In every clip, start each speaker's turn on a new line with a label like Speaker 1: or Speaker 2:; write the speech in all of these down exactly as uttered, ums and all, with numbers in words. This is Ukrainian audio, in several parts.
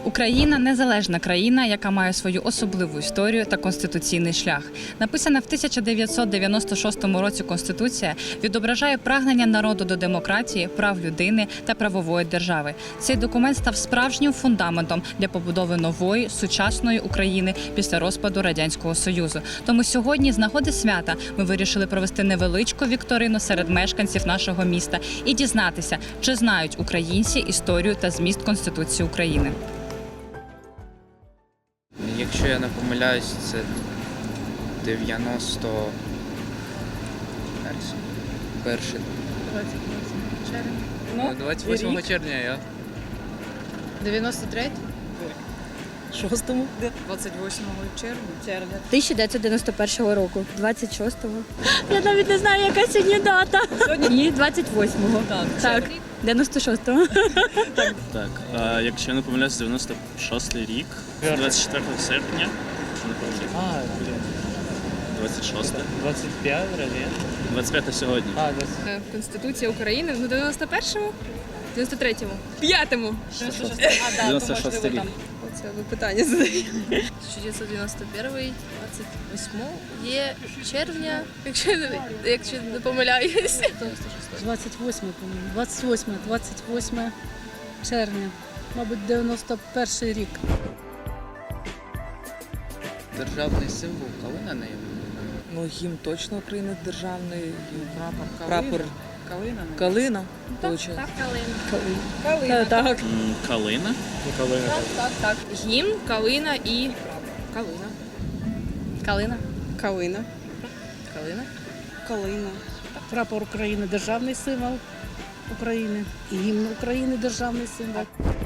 Speaker 1: Україна – незалежна країна, яка має свою особливу історію та конституційний шлях. Написана в тисяча дев'ятсот дев'яносто шостому році Конституція відображає прагнення народу до демократії, прав людини та правової держави. Цей документ став справжнім фундаментом для побудови нової, сучасної України після розпаду Радянського Союзу. Тому сьогодні, з нагоди свята, ми вирішили провести невеличку вікторину серед мешканців нашого міста і дізнатися, чи знають українці історію та зміст Конституції України.
Speaker 2: Якщо я не помиляюсь, це дев'яносто перший.
Speaker 3: двадцять восьмого червня.
Speaker 2: Ну, двадцять восьмого червня я.
Speaker 3: дев'яносто третє?
Speaker 4: Шостому.
Speaker 3: двадцять восьмого червня.
Speaker 4: тисяча дев'ятсот дев'яносто першого року. двадцять шостого. Я навіть не знаю, яка сьогодні дата. Ні, двадцять восьмого. Так. Так. дев'яносто шостого.
Speaker 5: Так, а якщо я не помиляюсь, дев'яносто шостий рік, двадцять четвертого серпня, не пам'ятаю.
Speaker 6: А, блин,
Speaker 5: двадцять шосте.
Speaker 6: двадцать пять разве?
Speaker 5: двадцять п'яте сьогодні.
Speaker 6: А, двадцать.
Speaker 3: Конституція України, ну дев'яносто першому? дев'яносто третьому? П'ятому?
Speaker 5: дев'яносто шостий рік.
Speaker 3: Оце ви питання задаєте. тисяча дев'ятсот дев'яносто перший, двадцять восьмого є червня, якщо я не, якщо не помиляюсь.
Speaker 7: двадцять восьме, по-моєму. двадцять восьме, двадцять восьме червня. Мабуть, дев'яносто перший рік.
Speaker 2: Державний символ калина не є.
Speaker 8: Ну, гімн точно України державний,
Speaker 3: Прапор
Speaker 8: прапор
Speaker 3: Калина.
Speaker 8: калина, виходить.
Speaker 3: Так, калина.
Speaker 7: Калина. Так.
Speaker 5: М, Калина.
Speaker 6: Калина.
Speaker 3: Так, так, так. Гімн, калина і калина. Калина.
Speaker 9: Калина.
Speaker 3: Калина.
Speaker 9: Калина.
Speaker 7: Прапор України державний символ України. І гімн України державний символ.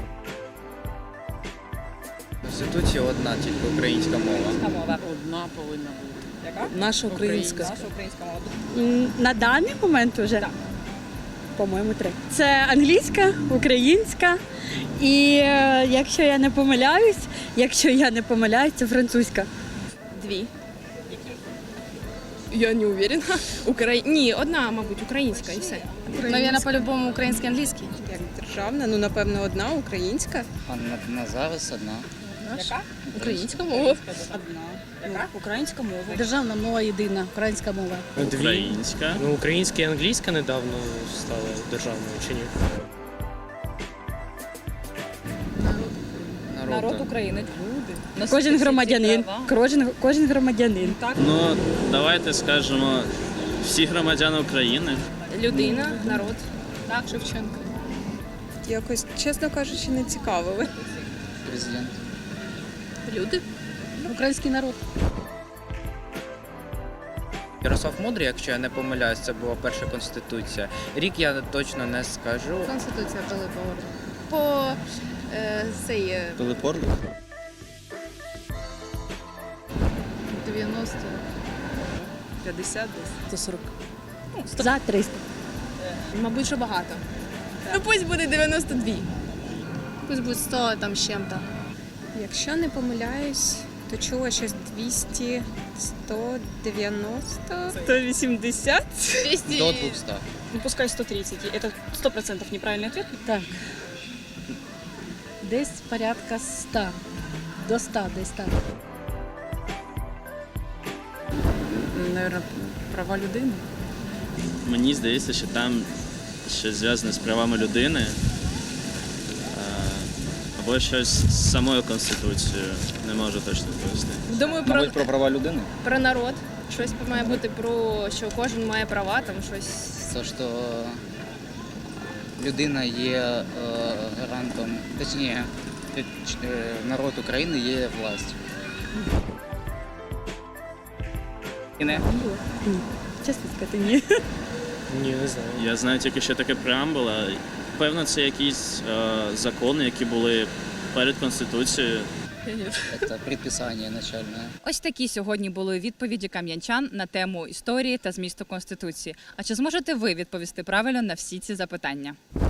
Speaker 2: Конституція одна, тільки українська мова.
Speaker 1: Мова.
Speaker 9: Одна повинна бути.
Speaker 8: Наша українська.
Speaker 1: Наша українська мова.
Speaker 4: М, На даний момент вже, по-моєму, три. Це англійська, українська і, е, якщо я не помиляюсь, якщо я не помиляюсь, це французька.
Speaker 3: Дві. Я не уверена. Украї... Ні, одна, мабуть, українська і все. Навіть по-любому український, англійський.
Speaker 9: Як державна, ну напевно одна українська.
Speaker 2: А на, на зараз одна.
Speaker 3: Яка? Українська мова.
Speaker 9: Одна.
Speaker 7: Ну, українська мова. Державна мова єдина, українська мова.
Speaker 6: Дві.
Speaker 5: Українська.
Speaker 6: Ну, українська і англійська недавно стали державною, чи ні?
Speaker 1: Народ України. Люди.
Speaker 4: Кожен громадянин. Кожен, кожен громадянин.
Speaker 5: Ну, давайте скажемо, всі громадяни України.
Speaker 3: Людина, народ. Так, Шевченко.
Speaker 9: Якось, чесно кажучи, не цікавили.
Speaker 2: Президент.
Speaker 3: Люди.
Speaker 7: Український народ.
Speaker 2: Ярослав Мудрий, якщо я не помиляюсь, це була перша конституція. Рік я точно не скажу.
Speaker 3: Конституція Пилипа Орлика. По е, цей е,
Speaker 5: Пилип Орлик.
Speaker 3: дев'яносто. п'ятдесят десь.
Speaker 8: сто сорок.
Speaker 4: За триста.
Speaker 3: Мабуть, що багато. Ну пусть буде дев'яносто два. Пусть буде сто там з чим-то.
Speaker 9: Якщо не помиляюсь, то чула щось двісті, сто дев'яносто.
Speaker 4: сто вісімдесят.
Speaker 3: двісті.
Speaker 2: До двохсот.
Speaker 4: Ну, пускай сто тридцать. Это сто процентов неправильный ответ.
Speaker 7: Так. Десь порядка ста. До ста, десь так.
Speaker 9: Наверно, права людини.
Speaker 5: Мені здається, що там щось зв'язане з правами людини. а, Або щось з самою Конституцією. Не можу точно відповісти.
Speaker 3: Думаю, про,
Speaker 2: Мабуть, про права людини.
Speaker 3: про народ. Щось має бути про, що кожен має права, там щось.
Speaker 10: То, що людина є е, гарантом, точніше, е, народ України є властю. І не?
Speaker 4: Ні. Чесно сказати, ні.
Speaker 6: Ні, не знаю.
Speaker 5: Я знаю тільки, що таке преамбула. Певно, це якісь е, закони, які були перед Конституцією.
Speaker 10: Це предписання начальне.
Speaker 1: Ось такі сьогодні були відповіді кам'янчан на тему історії та змісту Конституції. А чи зможете ви відповісти правильно на всі ці запитання?